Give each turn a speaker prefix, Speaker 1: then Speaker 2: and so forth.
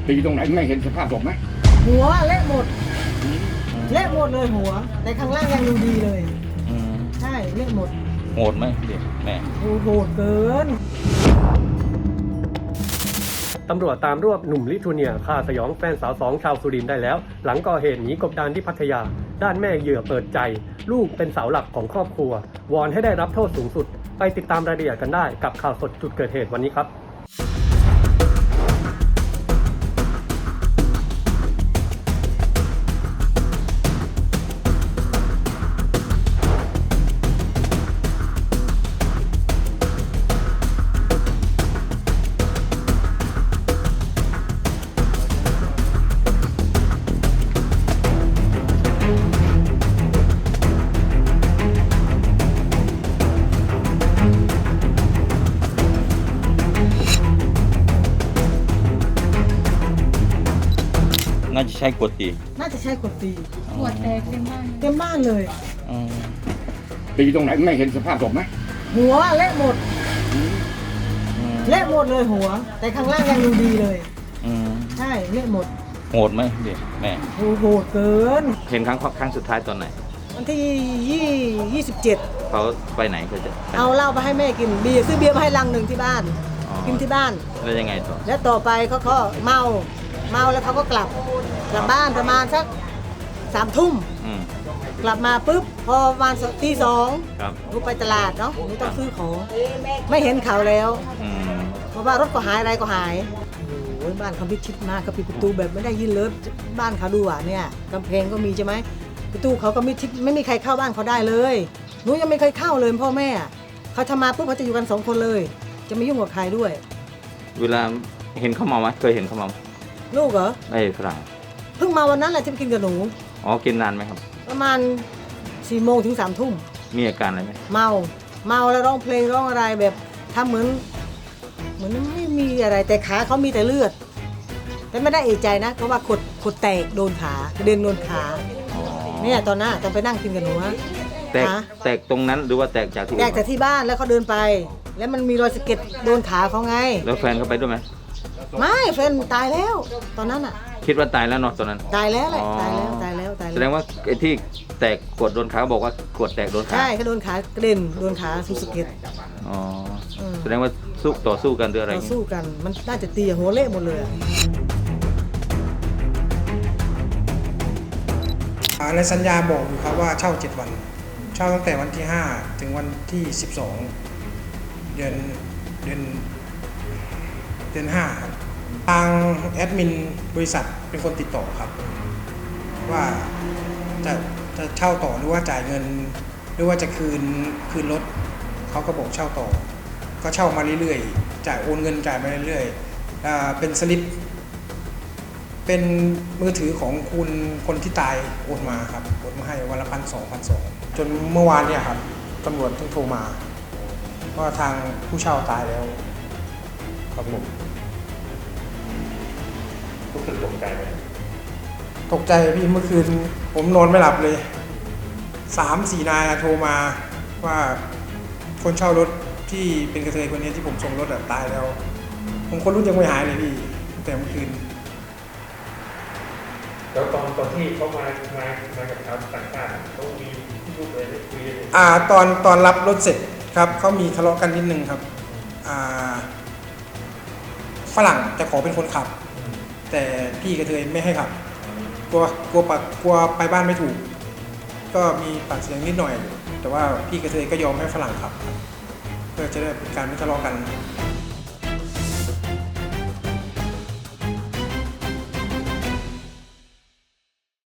Speaker 1: ตีตรงไหนไม่เห็นสภาพศพไหม
Speaker 2: หัวเละหมดเละหมดเลยหัวแต่ข้างล่างยังดูดีเลยใช่เละหมด
Speaker 3: โหดไหมเด็กแม่
Speaker 2: โหดเกิน
Speaker 4: ตำรวจตามรวบหนุ่มลิทัวเนียฆ่าสยองแฟนสาว2ชาวสุรินทร์ได้แล้วหลังก่อเหตุหนีกบดานที่พัทยาด้านแม่เหยื่อเปิดใจลูกเป็นเสาหลักของครอบครัววอนให้ได้รับโทษสูงสุดไปติดตามรายละเอียดกันได้กับข่าวสดจุดเกิดเหตุวันนี้ครับ
Speaker 3: น่าจะใช้กดตี
Speaker 2: น่าจะใช่คนตี
Speaker 5: หัวแตกเต็มบ้าน
Speaker 2: เลย
Speaker 1: ตีตรงไหนไม่เห็นสภาพศพไหม
Speaker 2: หัวเละหมดเละหมดเลยหัวแต่ข้างล่างยังดูดีเลยใช่เละหมด
Speaker 3: โหดไหมเด็กแม่
Speaker 2: โหดเกิน
Speaker 3: เห็นครั้งสุดท้ายตอนไหน
Speaker 2: วันที่27
Speaker 3: เขาไปไหนเขาจะ
Speaker 2: เอาเหล้าไปให้แม่กินเบียร์ซื้อเบียร์มาให้ลังหนึ่งที่บ้านกินที่บ้าน
Speaker 3: แล้วยังไงต่อ
Speaker 2: แล้วต่อไปเขาเมาแล้วเขาก็กลับบ้านประมาณสัก3 ทุ่มกลับมาปุ๊บพอประมาณตี 2ลูกไปตลาดเนาะหนูต้องซื้อของไม่เห็นเขาแล้วเพราะว่ารถก็หายอะไรก็หายโอ้ยบ้านเขาพิชิตมากเขาปิดประตูแบบไม่ได้ยินเลยบ้านเขาดูอ่ะเนี่ยกำแพงก็มีใช่ไหมประตูเขาก็มิดชิดไม่มีใครเข้าบ้านเขาได้เลยหนูยังไม่เคยเข้าเลยพ่อแม่เขาทำมาปุ๊บเขาจะอยู่กัน2 คนเลยจะไม่ยุ่งกับใครด้วย
Speaker 3: เวลาเห็นเขาเมาไหมเคยเห็นเขาเมา
Speaker 2: ลูกเหรอ
Speaker 3: ฝรั่ง
Speaker 2: เพิ่งมาวันนั้นแหละที่ไปกินกับหนู
Speaker 3: กินนานไหมครับ
Speaker 2: ประมาณ4 โมงถึง3 ทุ่ม
Speaker 3: มีอาการอะไรไหม
Speaker 2: เมาแล้วร้องเพลงร้องอะไรแบบทำเหมือนไม่มีอะไรแต่ขาเขามีแต่เลือดแต่ไม่ได้เอะใจนะเพราะว่าขดแตกโดนขากระเด็นโดนขาเนี่ยตอนนั้นตอนไปนั่งกินกับหนู
Speaker 3: แตกตรงนั้นหรือว่าแตกจากที่
Speaker 2: บ้านแล้วเขาเดินไปแล้วมันมีรอยสะเก็ดโดนขาเขาไง
Speaker 3: แล้วแฟนเขาไปด้วยไหม
Speaker 2: ไม่แฟนตายแล้วตอนนั้นอ่ะ
Speaker 3: คิดว่าตายแล้วเนาะตอนนั้น
Speaker 2: ตายแล้วแหละตายแล้ว
Speaker 3: แสดงว่าไอ้ที่แตกขวดโดนขาบอกว่าขวดแตกโดนขา
Speaker 2: ใช่เขาโดนขากระเด็นโดนขาสุดสะเก็ด
Speaker 3: แสดงว่าต่อสู้กันหรืออะไร
Speaker 2: ต่อสู้กันมันน่าจะตีหัวเละหมดเลย
Speaker 6: ในสัญญาบอกอยู่ครับว่าเช่า7 วันเช่าตั้งแต่วันที่5ถึงวันที่12เดือน5ครับทางแอดมินบริษัทเป็นคนติดต่อครับว่าจะเช่าต่อหรือว่าจ่ายเงินหรือว่าจะคืนรถเขาก็บอกเช่าต่อก็เช่ามาเรื่อยๆจ่ายโอนเงินจ่ายมาเรื่อยๆเป็นสลิปเป็นมือถือของคุณคนที่ตายโอนมาครับโอนมาให้วันละ1,200 จนเมื่อวานเนี่ยครับตำรวจเพิ่งโทรมาว่าทางผู้เช่าตายแล้วครับผม
Speaker 3: รู้สึกตกใจไหม
Speaker 6: ตกใจพี่เมื่อคืนผมนอนไม่หลับเลย 3-4 นายโทรมาว่าคนเช่ารถที่เป็นกระเทยคนนี้ที่ผมส่งรถตายแล้วผมคนรุ่นยังไม่หายเลยพี่แต่เมื่อคืน
Speaker 7: แล้วตอนที่เขามากับชาวต่างชาติเขามีลูกเลยได้คุยเลย
Speaker 6: ตอนรับรถเสร็จครับเขามีทะเลาะกันนิดนึงครับฝรั่งจะขอเป็นคนขับแต่พี่กระเทยไม่ให้ขับกลัวไปบ้านไม่ถูกก็มีปากเสียงนิดหน่อยแต่ว่าพี่กระเทยก็ยอมให้ฝรั่งขับเพื่อจะได้เป็นการไม่ทะเลาะกัน